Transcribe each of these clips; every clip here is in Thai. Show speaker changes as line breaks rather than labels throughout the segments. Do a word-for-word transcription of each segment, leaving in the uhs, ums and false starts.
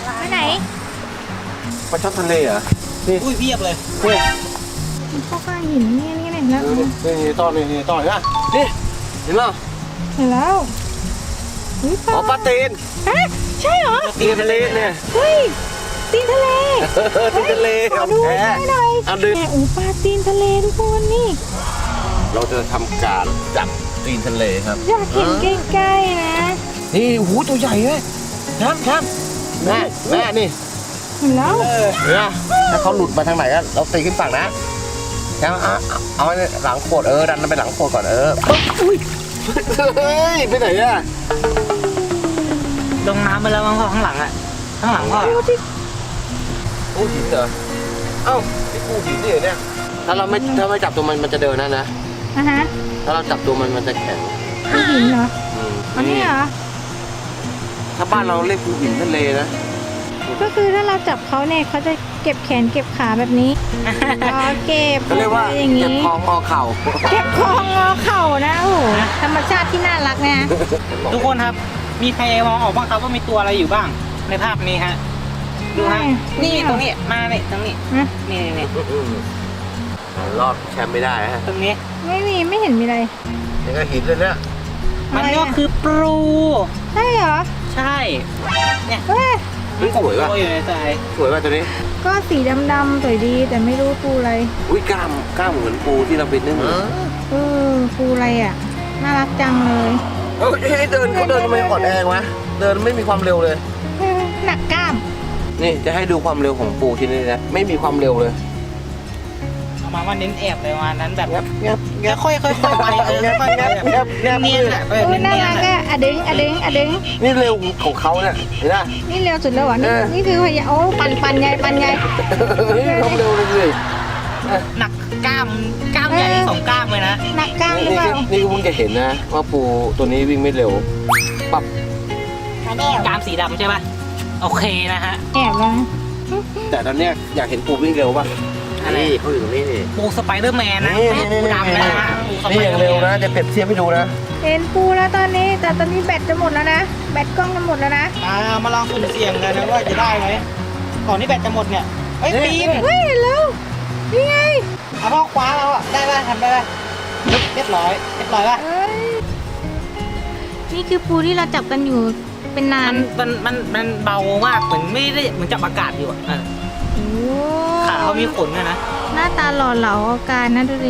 ไปไหน
ปลาช่อนทะเลเหรอนี่
อุ้ยเพียบเลย
นี่
มันเข้าข้างหินนี่นี่นี่แล้ว
นี่นี่ต้อนนี่นี่ต้อนนะนี่เห็นป่ะ
เห็นแล้วอุ๊ย
อ๋อปลาตีน
ฮะใช่เหรอ
ตีนทะเลเนี่ย
เฮ้ยตีนทะเล
ตีนทะเล
ขอดู
แท้
หน่อย
เอาดึง
แหมอูปลาตีนทะเลทุกคนนี่
เราจะทำการจับตีนทะเลครับ
อยากเห็นใกล้ๆนะ
นี่หูตัวใหญ่เลยครับครับแม่แม่นี่
เห็นแล้ว
เนี่ยถ้าเขาหลุดมาทางไหนก็เราตีขึ้นฝั่งนะแล้วเอาเอาเอาไว้หลังโขดเออดันมันไปหลังโขดก่อนเอออุ้ยเฮ้ยไปไหนอะ
ลงน้ำไปแล้วมั้งพ่อข้างหลังอ่ะข้างหลังพ่อ
ดูดิ
ปูหินเหรอเอ้านี่ปูหินนี่เหรอเนี่ยถ้าเราไม่ถ้าไม่จับตัวมันมันจะเดินนะนะ
อ่ะฮะ
ถ้าเราจับตัวมันมันจะแข็ง
ปูหินเหรอ
อืม
อันนี้เหรอ
ถ้าบ้านเราเรียกปูหินทะเลนะ
ก็คือถ้าเราจับเขาเนี่ยเขาจะเก็บแขนเก็บขาแบบนี้อ๋อเก็บ
ก็เรียกว่า
อย่าง
เก็บ
นี้
คองงอเข่า
เก็บคองงอเข่านะโอ้โหธรรมชาติที่น่ารักนะ
ทุกคนครับมีใครมองออกบ้างครับว่ามีตัวอะไรอยู่บ้างในภาพนี้ฮะดูฮะนี่ตรงนี้มาเนี่ยตรงนี้
ฮะ
นี่นี่
รอดแชมป์ไม่ได้ฮะ
ตรงนี้
ไม่มีไม่เห็นมีอะไร
นี่ก็หินเลยเนี่ย
มันก็คือปลู
ใช่เหรอ
ใช่เนี่ย
เอ้ย
มันสวยป่ะ
ตัวอยู่ในใจ
สวยป่ะตัวนี้
ก็สีดำๆสวยดีแต่ไม่รู้ปูอะไร
อุ้ยกล้ามกล้ามเหมือนปูที่เราไปนึ่ง
เออปูอะไรอ่ะน่ารักจังเลย
เอ้ยเดินเขาเดินทำไมอ่อนแอวะเดินไม่มีความเร็วเลย
เออหนักกล้าม
นี่จะให้ดูความเร็วของปูที่นี่นะไม่มีความเร็วเลย
เอามาว่าเน้นแอบเลยวันนั้นแบบ
งับงับงับ
ค่อยๆค่อยๆไปเออค่อยๆ
งับงับงับ
เนียนๆอ่ะแบบ
โอ้ย
เนี
น่าย รั
น
ก
ๆอ่ะ
อ่ะอะดึงอะดึงอะดึง
นี่เร็วของเขาเนี่ยเห็นไหม
นี่เร็วสุดแล้วเหรอนี่
เออ
นี่คือพยาโอ้ปันปันใหญ่ปันใหญ่
นี่ความเร็วเลยสิ
หนักกล้ามกล้ามใหญ่สองกล้ามเลยนะ
หนักกล้ามหรือ
นี่
เป
ก็
ล่า
นี่ก็เพิ่งจะเห็นนะว่าปูตัวนี้วิ่งไม่เร็วปับ
กล้ามสีดำใช่ป่ะโอเคนะฮะ
แอบแล้วนะ
แต่ตอนเนี้ยอยากเห็นปูวิ่งเร็วป่ะ
อะไร
นี่เขาอยู่ตรงนี้นี่
ปูสไปเดอร์แมนนะ
นี่
ไม่
นี่
ใช่ปู
นี่
ดำนะฮะปูส
นี่
ไป
อ
เดอย่าง ร์แม
เร็วน นะจะเปรียบเทียบให้ดูนะ
เห็นปูแล้วตอนนี้ แต่ตอนนี้แบตจะหมดแล้วนะแบตกล้องจะหมดแล้วนะ
อ่ามาลองสุ่มเสี่ยงกันนะว่าจะได้ไหมก่อนที่แบตจะหมดเนี่ยเฮ้ยปีน
เฮ้ยเห็นแล้วนี่ไง
เอาพ่อคว้าแล้วอ่ะได้ป่ะทำได้ป่ะเรียบร้อยเรียบร้อยป่ะ
เอ้ยนี่คือปูที่เราจับกันอยู่เป็นนา
มัน นมันมันมันเบามากเหมือนไม่ได้เหมือนจับอากาศอยู่อ่ะเออ
โอ้
ขาเขามีขนด้วยนะ
หน้าตาหล่อเหลาเอาการนะดูดิ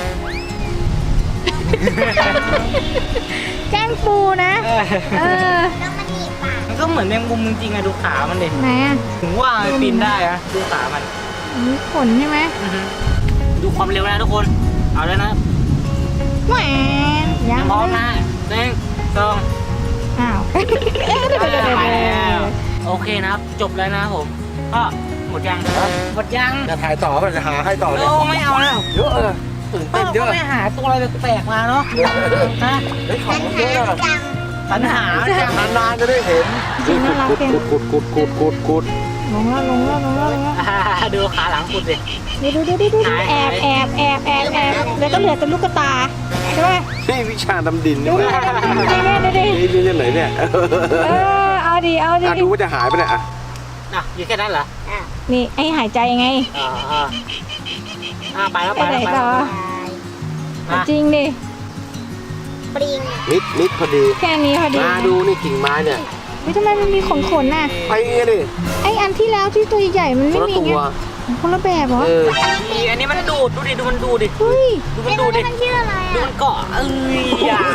แกล้งปูนะ
เออ
เออ
มันก็เหมือนแมงมุมจริงๆอะดูขามันดิ
ไหนอ่ะ
ถึงว่ามันปีนได้อะดูขามัน
มีขนใช่ไหม
อือฮึดูความเร็วนะทุกคนเอาแล้วนะ
แหวนยัง
พร้อมนะหนึ่งสอง
อ้าวเอ๊ะเดี๋ยวเดี๋ยวเดี๋ยว
ไป
เดี๋ยว
แล้วโอเคนะครับจบแล้วนะครับผมก็หมดยังหมดยัง
จะถ่ายต่อป่ะจะหาให้ต่อเลย
โอ้ไม่เอาแล้ว
เยอะเลยตื่น
ก็
เต้นเยอะ
ไม่หาตัวอะไรแปลกๆมาเนาะฮะ
เฮ้ยของเยอะอะ
ปัญหาจัง
นานๆจะได้เห็นขุดขุดขุดขุดขุดขุด
ลงแล้วลงแล้วลงแล้วลงแล้ว
อ่าดูขาหลังคุณดิ
ดูดูดูดูดูแอบแอบแอบแอบแอบแล้วก็เหลือแต่ลูกตาใช่ไหม
นี่วิชาดำดิน
ดู
นี่
ดิดูดิดูดิ
นี่นี่ไหนเนี่ย
เออเอาดิเอาดิ
ดูว่าจะหายไปเนี่ย
อ่ะอยู่แค่นั้นเหรอ
นี่ไอหายใจไง
อ่าอ่าอ่าไปแล้ว
ไป
ไป
ไหน
แล้วไป
ต่อ
แล้ว
จริงดิ
นิดนิดพอดี
แค่นี้พอดี
มาดูนี่กิ่งไม้เนี่ย
วิทำไมมันมีขนขนน่ะ
ไปไงดิ
ไออันที่แล้วที่ตัวใหญ่ๆมัน
ค
ไม่
นละ
มี
ตั
ไง
ว
คนละแบบเหรอ
เออ
นี่อันนี้มันดูดดูดิดูมันดูดิ
เฮ้ย
ดูมันดูดิ
มันชื่ออะไร
ดู
อ่ะ
มันเกาะเอ้ยอย่า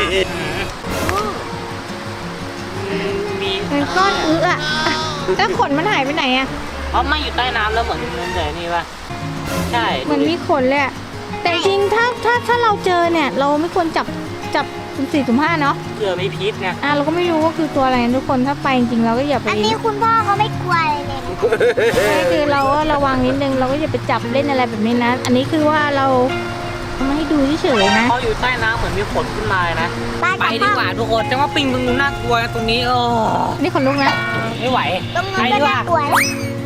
มี
เป็นก้อนอึอ่ะแล้วขนมันหายไปไหนอ่ะ
เพราะไม่อยู่ใต้น้ำแล้วเหมือนเหมือนแต่นี่ป่ะใช่
เหมือนมีขนเลยอะแต่จริงถ้าถ้าถ้าเราเจอเนี่ย เราไม่ควรจับจับสุ่มสี่สุ่มห้าเนาะ
เผื่อมีพิษไง
อ่ะเราก็ไม่รู้ว่าคือตัวอะไรนะทุกคนถ้าไปจริงๆเราก็อย่าไป
อันนี้คุณพ่อเขาไม่กลัวเลยเนี่ย
ใช่คือเราก็ระวังนิดนึงเราก็อย่าไปจับเล่นอะไรแบบนี้นะ อันนี้คือว่าเราเอามาให้ดูเฉยๆนะ
พออยู่ใต้น้ำเหมือนมีขนขึ้นมาเลยนะ
บ้าน
ไป
กับ
ดี
พ่อก
ว่าทุกคนจังว่าปิงตรงนู้นน่ากลัวนะตรงนี้โอ้
นี่ขนลุกนะ
ไม่ไหว
ตรง
ไป
นู้น
ดี
ก็
กว่า
น่ากลัว